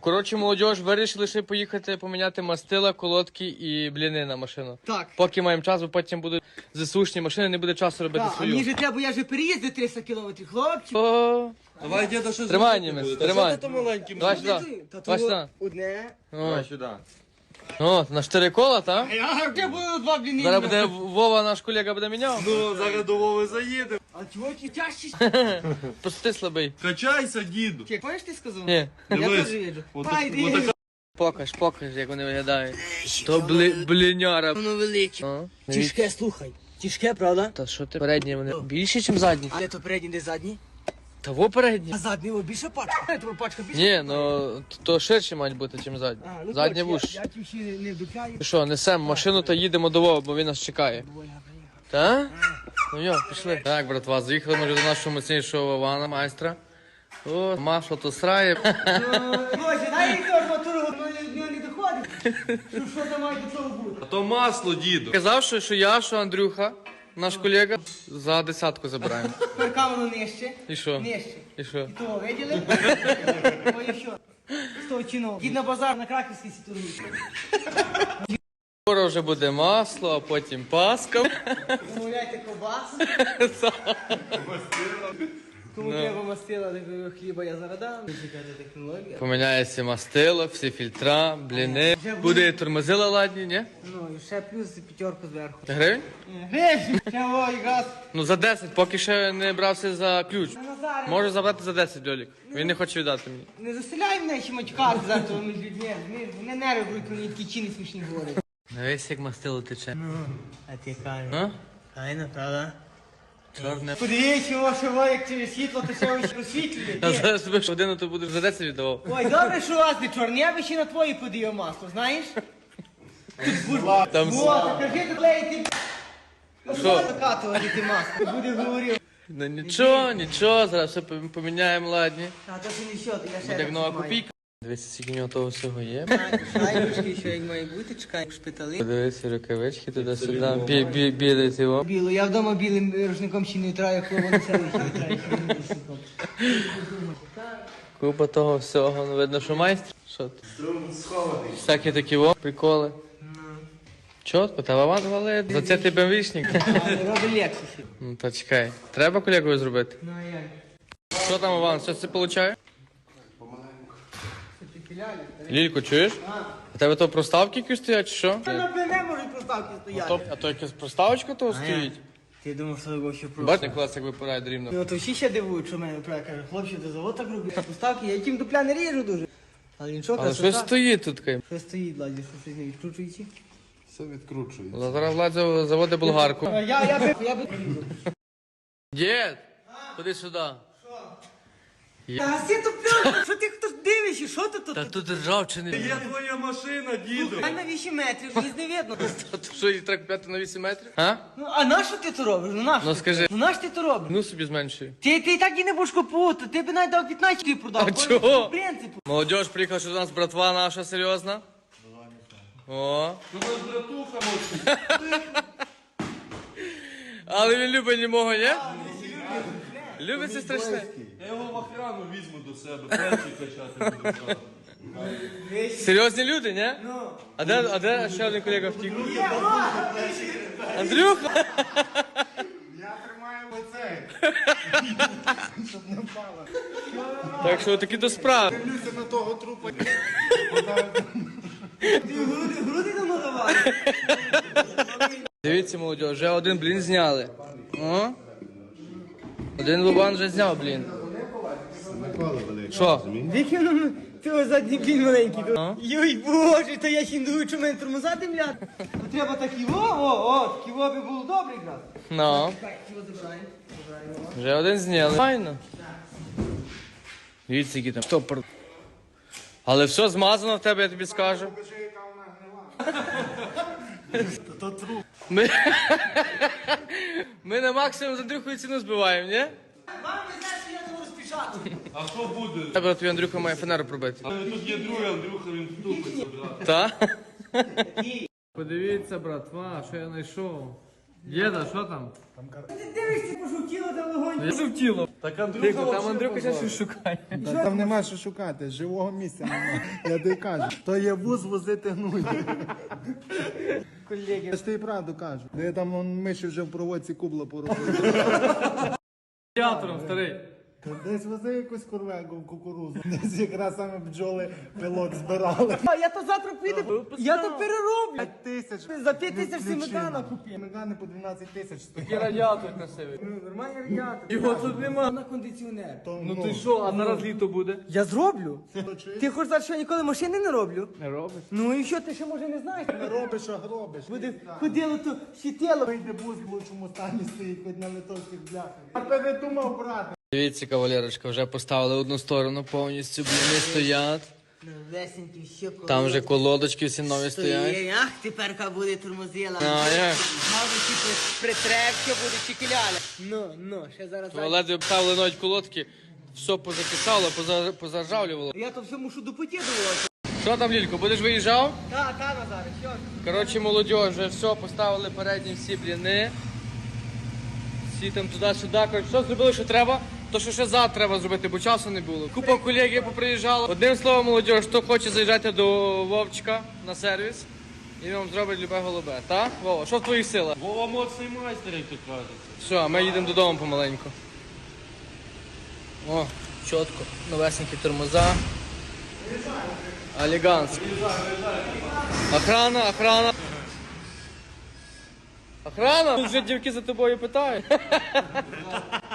Коротше, молодіж, вирішили ще поїхати поміняти мастила, колодки і бліни на машину. Так. Поки маємо час, бо потім будуть ЗСУшні машини, не буде часу робити Так, а свою. мені же треба, я же переїздив 300 кілометрів, хлопці. О, Давай, діда, щось Тримай, робити німець, буде. Та тримай. що ти то маленьким? Давай сюди. Та Давай то сюди. одне. Давай сюди. О, на 4 кола, та? А я вже буду два бліни. Зараз буде Вова, наш колега, буде міняв. Ну, зараз до Вови заїдемо. А чого ти тяжчий? Просто ти слабий. Качайся, діду. Ти пам'ятаєш, ти сказав? Ні. Я Дивись. теж їду. Отак- Та йди. отака- Покаж, як вони виглядають. То бліняра. Воно велике. О, Тяжке, слухай. Тяжке, правда? Та що ти? Передні вони більші, ніж задні. Але то передній, де задній. Того передні. А задній о, більше пачка. Тебе пачка більше. Ні, ну то ширші мають бути, ніж задні. А, ну, Задні коротше, вуш. Я ті всі не вдупляю. Ну що, несемо машину та їдемо до Вова, бо він нас чекає. Та? Ну йо, пішли. Так, братва, заїхали ми вже до нашого міцнішого Івана, майстра. О, масло то срає. Боже, дай їй теж матуру, воно не доходить. Що там має до цього бути? А то масло, діду. Казав, що я, що Андрюха, наш колега, за 10 забираємо. Перка воно нижче. І що? Нижче. І що? І того, виділи? Ой, і що? З того чином. Дід на базар на Краківській сітургують. Скоро вже буде масло, а потім паска. Замовляйте ковбасу. Кому треба мастила, такого хліба я зараз дам. Чекайте технологія. Поміняється мастило, всі фільтра, бліни. Буде і тормозила ладні, ні? Ну, і ще плюс п'ятерку зверху. Гривень? Гривень! Ще ой, газ. Ну за 10, поки ще не брався за ключ. Назаре, Можу забрати за 10, Льолік. Він не хоче віддати мені. не заселяй мене ще матюкати завтра між людьми. Мене нерви будуть, мені такі чини смішні говорять. Дивись, як мастило тече. Ну, а ти кажеш. А? Файно, правда? Чорне. Подивіться, ваше во, як через світло, то ще ось просвітлює. А зараз тобі ж годину то будеш за 10 віддавав. Ой, добре, що у вас не чорне, я би ще на твої подію масло, знаєш? Там О, кажи, ти клеїти. Що? Закатувати ти масло, буде говорив. Ну нічого, зараз все поміняємо, ладні. А то ще не що, то я ще Буде як раз нова маю. копійка. Дивіться, скільки в нього того всього є. Шайбочки, що як має бути, чекай в шпитали. Подивися, рукавички туди-сюди. Білий цього. Біло, я вдома білим рушником ще не витраю, хлопа на селищі витраю, ще не рушником. Купа того всього, ну видно, що майстер. Що ти? Всякі такі приколи. Чотко, та Вован валить. За це ти бемвічник. Але робить лексусі. Ну та чекай. Треба колегою зробити? Ну а як? Що там, Іван, що це получає? Це ти піляли? Лілько, чуєш? А тебе то проставки якісь стоять, чи що? На плене можуть проставки стояти. А то якась проставочка того стоїть? Ти думав, що його ще просто. Бачите, клас як випирає рівно. Ну то всі ще дивують, що мене правда каже, хлопці, ти завод так робить. Поставки, я яким дупля не ріжу дуже. Але нічого, Але щось стоїть тут таке. Що стоїть, Ладі, що щось не відкручується? Все відкручується. Зараз Влад заводить болгарку. Я би... Дід, ходи сюди. Та всі тупля, що ти хто дивишся, що ти тут? Та тут ржавчини. Є твоя машина, діду. Хай на 8 метрів, її не видно. Та то що, її треба купляти на 8 метрів? А? Ну, а на що ти то робиш? Ну, на що Ну, ти? скажи. Ну, на що ти то робиш? Ну собі зменшуй. Ти і так і не будеш купувати, ти б навіть дав 15 ти продав. А чого? В принципі. Молодіж, приїхав, що до нас братва наша серйозна. О. Ну, нас братуха може. Але він любить німого, ні? Любить це страшне. Я його в охрану візьму до себе, перший качати буду зразу. Серйозні люди, ні? Ну. А де ще один колега втік? Андрюха! Я тримаю оцей. Щоб не впало. Так що такі до справи. Дивлюся на того трупа. Ти груди давно давали. Дивіться, молодь, вже один блін зняли. О? Один Лубан вже зняв блін. Що? Який воно цього задній блін маленький. Йой, боже, то я ще не думаю, що мене тормоза димлять. То треба такі такі би було добре якраз. Ну, Чекай, його забираємо. вже один зняли. Файно. Дивіться, які там штопор. Але все змазано в тебе, я тобі скажу. Ми на максимум з Андрюхою ціну збиваємо, ні? Вам не знаєш, що я не можу спішати. А що буде? Тебе твій Андрюха має фанеру пробити. Але тут є другий Андрюха, він тупить забрати. Та? Подивіться, братва, що я знайшов. Діда, що там? Ти дивишся, пожовтіло та вогонь. Жовтіло. Так Андрюха Там вообще Андрюха ще позор. щось шукає. Там нема що шукати, живого місця немає. Я тобі кажу. То є вуз возити гнуй. Колеги. Я ж тобі правду кажу. Де там миші вже в проводці кубло поробили. Театром, старий. Десь вози якусь курвегу в кукурузу. Десь якраз саме бджоли пилок збирали. А я то завтра піду, я то перероблю. 5 тисяч. За 5 тисяч сметана купив. Мегани по 12 тисяч стоять. І радіатор красивий. Ну, нормальний радіатор. Його тут нема. На кондиціонер. Ну ти що, а зараз літо буде? Я зроблю. Ти хочеш сказати, що я ніколи машини не роблю? Не робиш. Ну і що, ти ще може не знаєш? Не робиш, а гробиш. Буде ходило то щитило. Вийде бус в лучшому стані стоїть, хоч на литовських бляхах. А передумав брати. Дивіться, кавалерочка, вже поставили одну сторону повністю, блини стоять. Новесенький, ще коло. Там вже колодочки всі нові стоять. Ах, теперка буде тормозила. А як? Мав би притрекся, буде чекіляля. Ну, ще зараз. Ледве обставили навіть колодки, все позакисало, позаржавлювало. Я то все мушу до путі доводити. Що там, Лілько, будеш виїжджав? Та, Назаре, що? Коротше, молодь, вже все, поставили передні всі бліни. Всі там туди-сюди. Коротше, все зробили, що треба. То, що ще завтра треба зробити, бо часу не було. Купа колегів поприїжджала. Одним словом, молодь, хто хоче заїжджати до Вовчика на сервіс, і він вам зробить любе голубе. Так? Вова, що в твоїх силах? Вова моцний майстер, як то кажуть. Все, а ми їдемо додому помаленьку. О, чітко. Новесенькі тормоза. Оліганські. Охрана. Охрана! Тут вже дівки за тобою питають.